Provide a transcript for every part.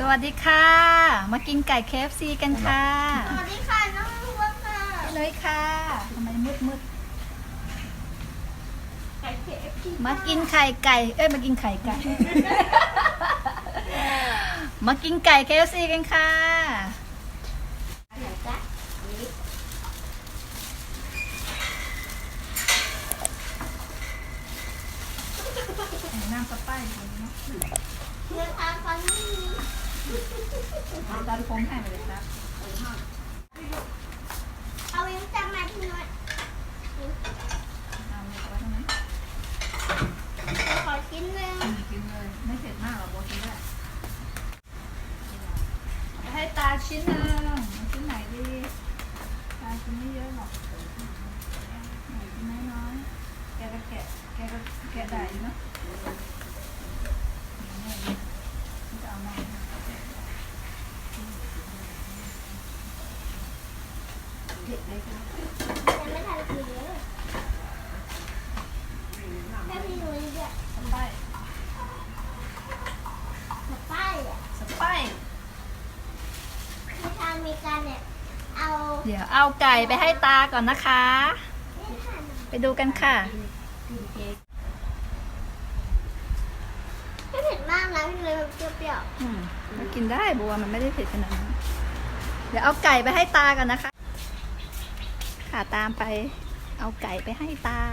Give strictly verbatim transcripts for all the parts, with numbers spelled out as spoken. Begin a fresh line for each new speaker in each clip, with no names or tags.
วัสดีค่ะมากินไก่ เค เอฟ ซี กันค่ะ
สวัสดีค่ะน้องวัวค่ะ
เลยค่ะทำไมมืดมืด
ไก่ เค เอฟ ซี
มากินไข่ไก่เอ้ยมากินไข่ไก่ มากินไก่ เค เอฟ ซี กันค่ะ
ไหนจ๊ะนี่
น้ำสไปซ์เนาะ
เนื้อทานฟันนี่
ตอนผมให้ไปเลยครับ
เอาเองจำมาที่นู่น
เอาไว้ตรงนี้
ขอชิ้นหนึ่ง
กินเลยไม่เผ็ดมากหรอกโบกินได้ไปให้ตาชิ้นหนึ่งชิ้นไหนดีตาชิ้นไม่เยอะหรอกไหนชิ้นน้อยๆแกก็แกะแกก็แกะได้เนาะจะเอามาเผ็ดเลยค่ะ
ยังไม่ทันกินเลยแค่พี่นุ้ยเนี่ย
สไปซ์
สไปซ์อ่ะ
สไปซ์
ในทางอเมริกันเนี่ยเอา
เดี๋ยวเอาไก่ไปให้ตาก่อนนะคะ
ไม่ทัน
ไปดูกันค่ะ
ไม่เผ็ดมากนะพี่นุ้ยแบบเปรี้ยว
อืมก็กินได้บัวมันไม่ได้เผ็ดขนาดนั้นเดี๋ยวเอาไก่ไปให้ตาก่อนนะคะค่ะตามไปเอาไก่ไปให้ตา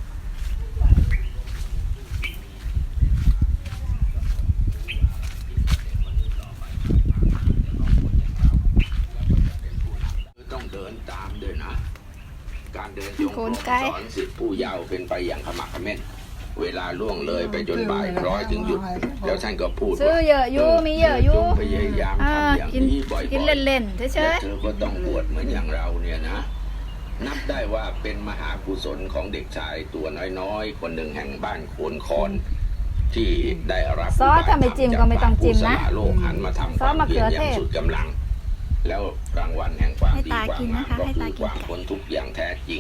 ต้องเดินตามด้วยนะ การเดินจงกรมสอนสิทธิผู้เยาว์เป็นไปอย่างขมักเขม้นเวลาล่วงเลยไปจนบ่ายคล้อยถึงหยุดแล้วท่านก็พูด
ซื้อเยอะอยู่มีเยอะอยู่
จงพยายาม
อ่า
ทำอย่าง
กิน
นี้บ่อยๆ
กินเล่นๆเฉ
และ
ย
เธอก็ต้องบวชเหมือนอย่างเราเนี่ยนะ นับได้ว่าเป็นมหากุศลของเด็กชายตัวน้อยๆคนหนึ่งแห่งบ้านโคนคอนที่ได้รับ
ซอสถ้าไม่จิ้มก็ไม่ต้องจิ้มนะ
ผู้สละโลกหันมาทำความเพียรอย่างสุดกำลัง แล้วรางวัลแห่งความดีความงามก็คือความพ้นทุกข์อย่างแท้จริง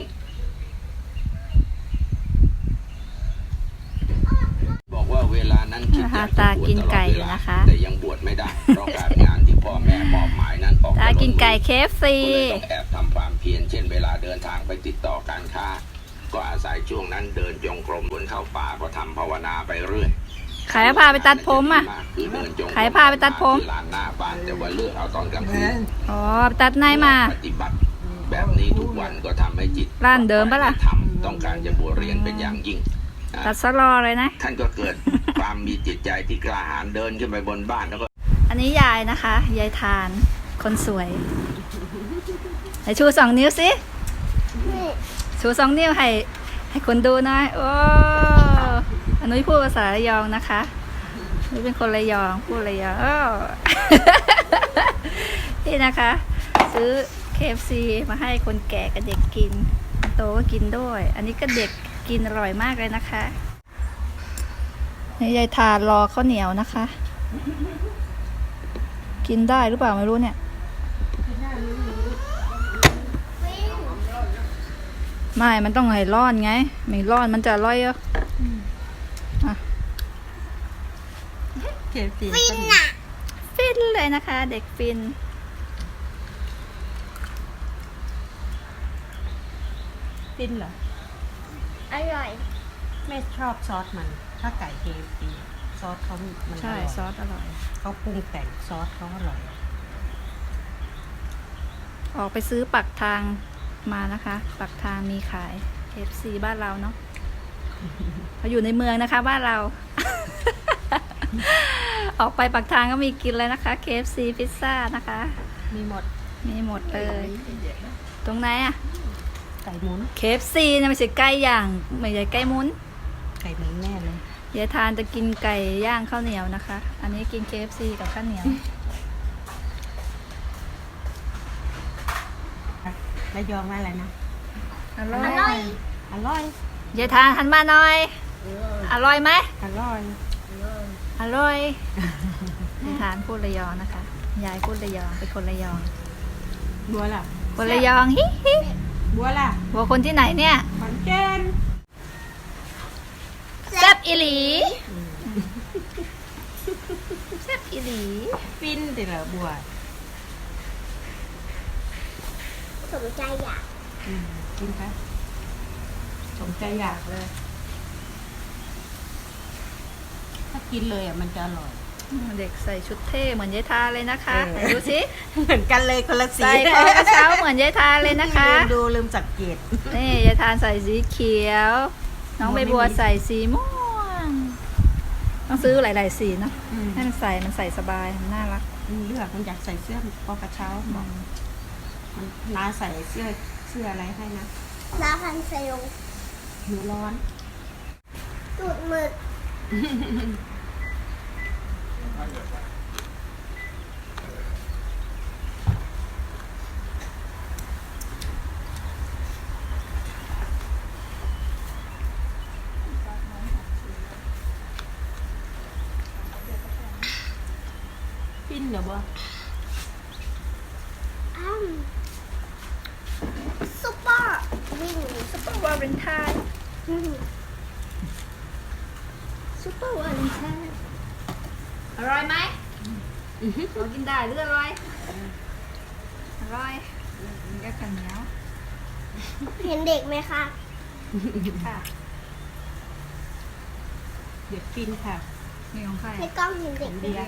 บอกว่าเวลานั้นคิดอยากจะบวชตลอดเวลาแต่ยังบวชไม่ได้เพราะการงานที่พ่อแม่มอบหมายนั้นออก
ๆตากินไก่ เค เอฟ ซี
ก็เลยต้องแอบทำความเพียรเช่นเวลาเดินทางไปติดต่อการค้า ก็อาศัยช่วงนั้นเดินจงกรมบนเข้าป่าก็ทำภาวนาไปเรื่อย
ใครพาไปตัดผมอ่ะ
คือเดินจงกรม
ใครพาไปตัดผม
ที่ลานหน้าบ้านแต่ว่าเลือกเอาตอนกลางคืน
อ๋อไปตัดไหนมา
ปฏิบัติแบบนี้ทุกวันก็ทำให้จิต
ร้านเดิมปะล่ะ
ทำต้องการจะบวชเรียนเป็นอย่างยิ่ง
ตัดสลอเลยนะ
ท่านก็เกิดความมีจิตใจที่กล้าหาญเดินขึ้นไปบนบ้านแล้วก็
อันนี้ยายนะคะ ยายทานคนสวยไหนชูสองนิ้วสิ
ๆนี่
ชูสองนิ้วให้ให้คนดูหน่อยโอ้อันนี้พูดภาษาระยองนะคะนี่เป็นคนระยองพูดระยองอ้อ นี่นะคะ ซื้อ เค เอฟ ซี มาให้คนแก่กับเด็กกินโตก็กินด้วย อันนี้ก็เด็กกินอร่อยมากเลยนะคะนี่ยายทานรอข้าวเหนียวนะคะ กินได้หรือเปล่าไม่รู้เนี่ย
ฟิน
ไม่ มันต้องให้ร้อนไง ไม่ร้อนมันจะอร่อยอ่ะอ่ะ
ฟินอ่ะ
ฟินเลยนะคะ เด็กฟิน
ฟินเหรอ
อร่อย
ไม่ชอบซอสมัน ถ้าไก่เคฟซีซอสเขามันอ
ใช่
ร่อย
ซอสอร่อย
เขาปรุงแต่งซอสเขาอร่อย
ออกไปซื้อปักทางมานะคะ ปักทางมีขาย เค เอฟ ซี บ้านเราเนาะเขาอยู่ในเมืองนะคะบ้านเรา ออกไปปักทางก็มีกินเลยนะคะ เค เอฟ ซี พิซซ่านะคะ
มีหมด
มีหมดเลย ตรงไหนอะ
ไก่หมุน
เค เอฟ ซี เนี่ยไม่ใช่ไก่ย่างไม่ใช่ไก่หมุน
ไก่หมุนแน่เลย
ยายทานจะกินไก่ย่างข้าวเหนียวนะคะ อันนี้กิน เค เอฟ ซี กับข้าวเหนียว
ระยองว่าอะไรนะ
อร่อ
อร่อย
ย
อร่อย
ยายทานหันมาหน่อย อร่อยไหม
อร่อย
อร่อยยายทานพูดระยองนะคะ ยายพูดระยองเป็นคนระยอง
บัวล่ะ
คนระยองฮิฮิ
บัวล่ะ
บัวคนที่ไหนเนี่ย
ขอนแก่น
แซ่บอีหลีแซ่บอีอีหลี
ฟินแต่ละบัว
สมใจอยาก
อืมกินคะสมใจอยากเลย ถ้ากินเลยอ่ะมันจะอร่อย
เด็กใส่ชุดเท่เหมือนยายทาเลยนะคะ
เออ
ไหนดูสิ
เหมือนกันเลยคนละสี
ใส่คอกระเช้าเหมือนยายทาเลยนะคะ
ลืมดูลืมสังเกต
นี่ยายทานใส่สีเขียว น้องใบบัวใส่สีม่วงต้องซื้อหลายๆสีเนาะ
อืม
ให้มันใส่มันใส่สบายมันน่ารัก
มันเลือกมันอยากใส่เสื้อปอกระเช้าบอกมันน้าใส่เสื้อเสื้ออะไรให้นะ
ลาพันเซล
หนูร้อน
ตูดหมึก
ฟินเหรอบัว
อ้ำซุปเปอร์วิ่ง
ซุปเปอร์วาเลนไทน์ซุปเปอร์วาเลนไทน์อร่อยไหมเรากินได้หรืออร่อยอร่อยกินกับข้าวเหนียว
เห็นเด็กไหมคะ
ค่ะ
เด็ดฟินค่ะ
มีของใคร
ในกล้องเห็นเด็กไหม
เดียว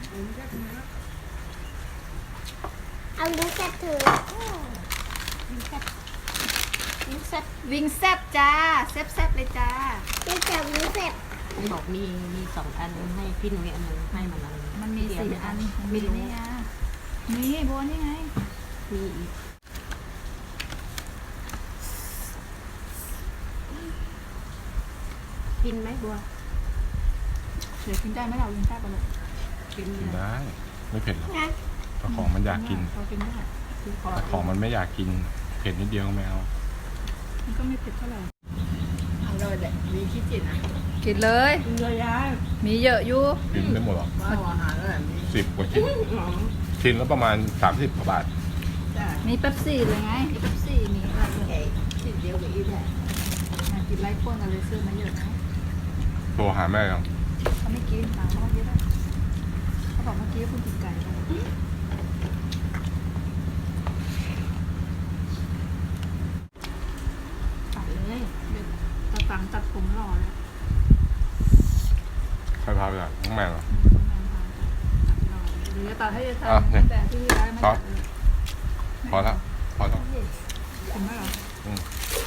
เอาลิ้นแกะถือ
วิงแซ่บวิงแซ่บ
วิงแซบจ้าแซบแซบเลยจ้า
ลิ้นแกะลิ้นเสร็จ
มันบอกมีมีสองอันให้พี่หนุ่ยอันหนึงให้มันอันหง
มันมี
เดี๋ยว
สี่อัน
ไม่รู้
นี่ไงนี่บัวนี่ไง
มีอีกฟินไหมบัว
เดี๋ยวกินได้ไหมเราวิงแซบไปเลย
ฟิน
กิน
เลย
ได้ ไม่เผ็ดหรอก
นะ
แต่ของมันอยากกิน
เรากินได้
ฟินพอ
แต่ของมันไม่อยากกิน เผ็ดนิดเดียวก็ไม่เอา
มันก็ไม่เผ็ดเท่าไหร่
อร่อยแหละมีขี้จิตนะ
กินเลย
กินเลยยาย
มีเยอะอยู่
กินไม่หมดหรอก
ว้าวอาหารแล้วแบบนี้
สิบกว่าชิ้น ชิ้นละประมาณสามสิบกว่าบาท
จ้า
มีเป๊ปซี่เลยไงมีเป๊ปซี่มีอะไร
โอเคจิตเดียวกับอีแหละ
อ่ะกินไล่พ่นกันเลยซื้อมาเยอะนะ
โทรหาแม่ยัง
เขาไม่กินหาหม้อเยอะนะเขาบอกเมื่อกี้คุณกินไก่ไปตัดเลยตัดตังตัดผมหล่อเลย
ใครพาไปอ่ะน้องแม่เหรอ
หรือจะตัดให้จะท
อ่ะเนี่ย
ำแต่ที่ร้านไม่
ซอ
ตั
ส
ดเลย
พอแล้วพอแล้ว
กินไหมเหรอ
อืม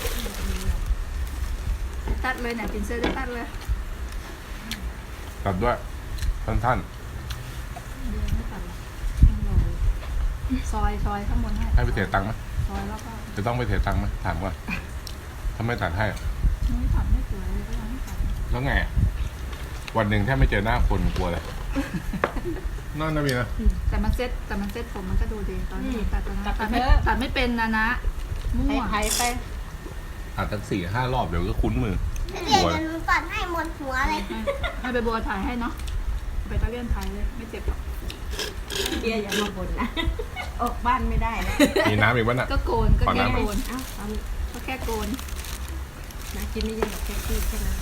ตัดเลยเนี่ยกินเสื้อจะตัดเลย
ตัดด้วยท่าน
เดี๋ยวไม่ตัดหรอกต้องรอซอยซอยข้างบนให้
ๆให้ไปเสียตังค์ไหม
ซอยแล้วก็
จะต้องไปเสียตังค์ไหมถามก่อนถ้าไม่ตัดให้อะ
ไม่ตัดไม่สวยเลยก็ยังไม่ตัด
แล้วไงอะวันหนึ่งแทบไม่เจอหน้าคนกลัวเลยนั่นนะมีนะ
แต่มันเซ็ตแต่มันเซ็ตผมมันก็ดูดีตอนที่ตัดตอนนั้น
ตัด
ตัด
ไป
ไม่
เถอะ
ตัดไม่เป็นนะนะมั่
ให้
ว
ไทยไป
อาจจะสี่ห้ารอบเดี๋ยวก็คุ้นมือ
เดี๋ยวจะหนูตัดให้หมดหัวเลย
ให้ให้ไปบัวถ่ายให้เนาะไปตะเลียนถ่ายเลยไม่เจ็บหรอก
เบียร์อย่ามาบ่นนะ ออกบ้านไม่ได้นะ
มีน้ำอีกวะน่ะ
ก็โกนก็
ขอ
แค่
น้ำ
โกน
เอ้าเอา
ก็แค่โกน
นะกินไม่เยอะหรอกแค่ขี้แค่นั้น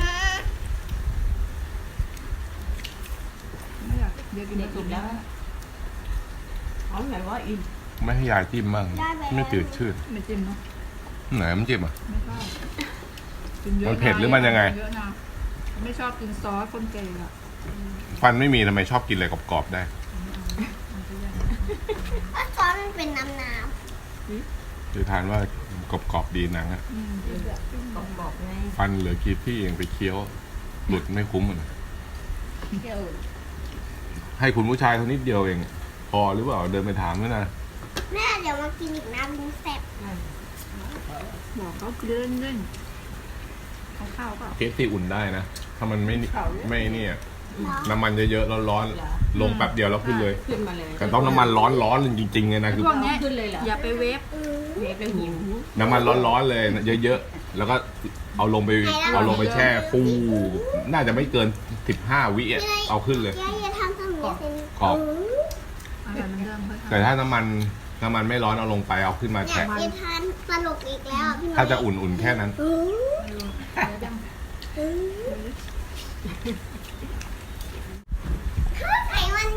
ไม่อยากเดี๋ยวกิน
เด็ก
ผ
อี
สม
ก
แล้
แล้ว วอ๋อไหนว่าอีก
ไม่ให้ยายจิ้มบ้างไม่จืดชืด
ไม่จิ้มเนาะ
ไหนมันจิ้มอ่ะ
ไม่ชอบกินเยอะ
มันเผ็ดหรือมันยังไง
เยอะนะไม่ชอบกินซอสคนเกย์อะ
ฟันไม่มีทำไมชอบกินอะไรกรอบๆได้
มันจะยังไง
ก็ซอสมันเป็นน้ำน้
คือทานว่ากรอบๆดีหนังอะ
อืมเดี๋ยว
บอกๆไง
ฟันเหลือกี่ที่เองไปเคี้ยว หลุดไม่คุ้มเลย
เที่ยว
ให้คุณผู้ชายเท่านิดเดียวเอง พอหรือเปล่าเดินไปถามด้วยนะ
ำแม่เดี๋ยวมากินอีกนะลิ้นแสบ
บอกเขาเลื่อนเล่นๆเอาข้าวเปล่า
เคสที่อุ่นได้นะ ถ้ามันไม่ไม่เนี่ย
เนาะ
น้ำมันเยอะๆแล้วร้อนลงแป๊บเดียวแล้วขึ้นเลย
ขึ้นมาเลย
แต่ต้องน้ำมันร้อนร้อนจริงๆเลยนะคือ
พวกเนี้ย
ขึ้นเลยเหรอ
อย่าไปเวฟ
อืม
เวฟแล้วหิว
น้ำมันร้อนๆเลยเยอะๆแล้วก็เอาลงไปเอาลงไปแช่ฟูน่าจะไม่เกินสิบห้าวิอะเอาขึ้นเลย
ยายอย่าทำตรงนี้สิ
กรอบ
อะไรมันเดิมค่อยๆ
แต่ถ้าน้ำมันน้ำมันไม่ร้อนเอาลงไปเอาขึ้นมา
เนี่ย
แช่
ยายทานตลกอีกแล้วอ่ะพี่น้อย
ถ้าจะอุ่นๆแค่นั้น
อืม
ไม่รู้เดี๋ยวยัง
อืมถ้าไข่มัน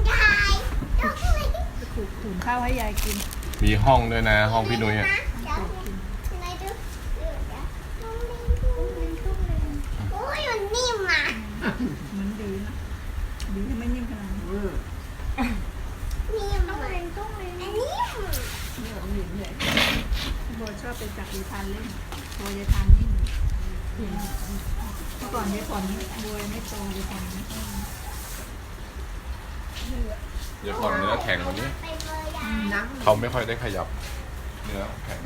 ข้าวให้ยายกิน
มีห้องด้วยนะ ห้องพี่นุ้ยอ่ะ
เดี๋ยวไหนดูเดี๋ยวเดี๋ยวตุ้มเล่นตุ้มเล่นตุ้มเล่นโอ้ยมันนิ่มอ่ะ
มันดีนะดีที่ไม่นิ่มขนาดนี้
นิ่มตุ้มเล่นตุ้มเล่นอันนิ่ม
เดี๋ยวหลินเลยโบชอบไปจับยายทานเล่นโบยายทานนิ่มเมื่อก่อนยายผ่อนโบยไม่โตยายผ่อนไม่โต
เดี๋ยวก่อนเนื้อแข็งกว่านี้
ไปเบอร์ยา
น้
เขาไม่ค่อยได้ขยับ เนื้อแข็ง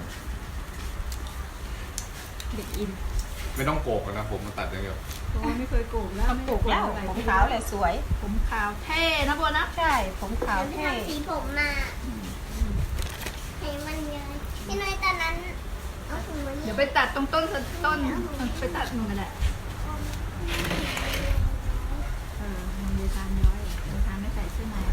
ำเด็กอิน
ไม่ต้องโกกนะผมมาตัดอย่างเดียว
โบไม่เคยโกงแล้ว
ปลูกแล้วผมขาวเลยสวย
ผมขาวเท่นะโบนะ
ใช่ผมขาว
เดี๋ยว
เท่
ทำสีผมมาให้มันเยอะพี่น้อยตอนนั้นเอาถุงมือ
เดี๋ยวไปตัดตรงต้นต้นไปตัดหนูกันแหละเออมันยายทานย้อยยายทานไม่ใส่เสื้อใน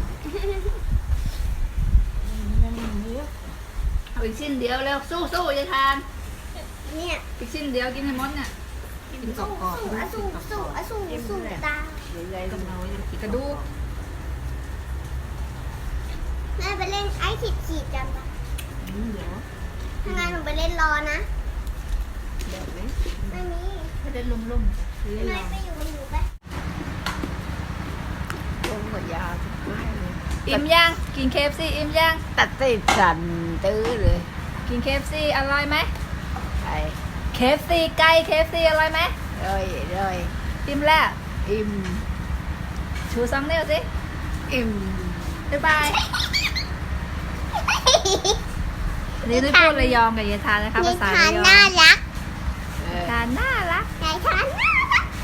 เอาอีกชิ้นเดียวเร็วสู้สู้ยายทาน
เนี่ย
อีกชิ้นเดียวกินให้หมดเนี่ย
กินกรอบกรอบ
สู้อะสู้สู้อะสู้สู้ตา
ใหญ่ๆกับเรายังกิน
กระดูก
แม่ไปเล่นไอ้ขีดขีดกันปะ
เดี๋ยว
ถ้างั้นหนูไปเล่นรอนะ
เดี๋ยวเลย
ไม่มี
ไม่ได้ลุ่มลุ่มๆหรือ
พี่
ล
น้อ
อย ง
ไปอยู่กับหนูไป
ลงกับยาทุกไม้เลย
อิ่มยังกินเคฟซีอิ่มยัง
ตัดติดสั่นตื้อเลย
กินเคฟซีอร่อยไหม
ไอ้
เคฟซีไก่เคฟซีอร่อยไหม
เลยเลย
อิ่มแล้ว
อิ่ม
ชูสองนิ้วสิ
อิ่ม
บ๊ายบายอันนี้ด้วยพูดระยองกับยายทานนะคะภาษา
ทา
ระ
น
ยอง
น่ารัก
เออ
ทานน่ารัก
ยายทานน่ารัก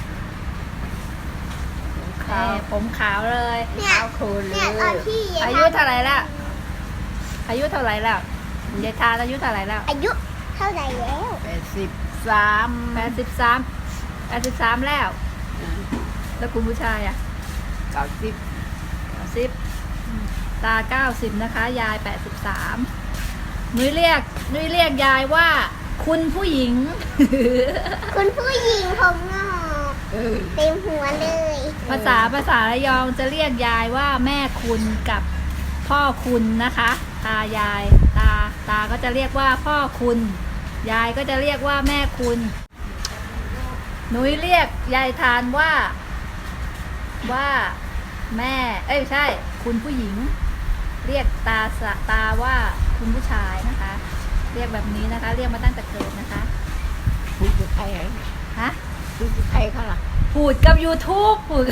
ขาว
เอ่อผมขาวเลย
เนี่ย
ขาวโคนเล
เนี่ย
ย
ตอนที่ยาย
อา
ทาน
ยุเท่าไหร่แล้วอายุเท่าไหร่แล้วยายทานอายุเท่าไหร่แล้ว
อายุเท่าไหร่แล้ว
แปดสิบสาม
แปดสิบสามแปดสิบสามแล้ว แล้วคุณผู้ชายอ่ะ
เก้าสิบ
เก้าสิบตาเก้าสิบนะคะ ยายแปดสิบสามนุ้ยเรียกนุ้ยเรียกยายว่า คุณผู้หญิง
คุณผู้หญิงผมงอก
เออ
เต็มหัวเลย
ภาษาภาษาระยองจะเรียกยายว่าแม่คุณกับพ่อคุณนะคะ ตายายตาตาก็จะเรียกว่าพ่อคุณ ยายก็จะเรียกว่าแม่คุณหนุ้ยเรียกยายทานว่าว่าแม่ เอ้ยไม่ใช่ คุณผู้หญิง เรียกตาสะตาว่าคุณผู้ชายนะคะ เรียกแบบนี้นะคะ เรียกมาตั้งแต่เกิดนะคะ
พูดกับใครอ่ะ
ฮะ
พูดกับใครเขาล่ะ
พูดกับ YouTube พูด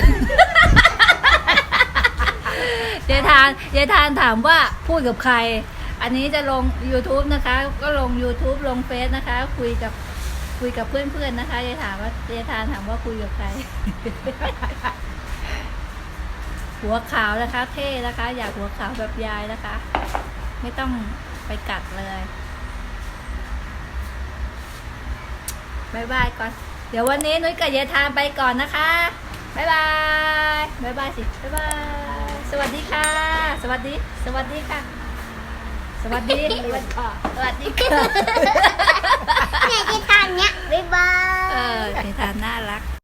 ยายทานยายทานถามว่าพูดกับใคร อันนี้จะลง YouTube นะคะ ก็ลง YouTube ลงเฟซนะคะ คุยกับคุยกับเพื่อนๆนะคะยายถามว่ายายทานถามว่าคุยกับใคร หัวขาวนะคะ เท่นะคะ อยากหัวขาวแบบยายนะคะ ไม่ต้องไปกัดเลยบายบายก่อน เดี๋ยววันนี้นุ้ยกับยายทานไปก่อนนะคะบายบายบายบายสิบายบาย สวัสดีค่ะ สวัสดี สวัสดีค่ะ สวัสดี สวัสดีค่ะสวัสดีค่ะ
เนี่ยที่ทานเนี้ยบ๊ายบาย
เออยายทานน่ารัก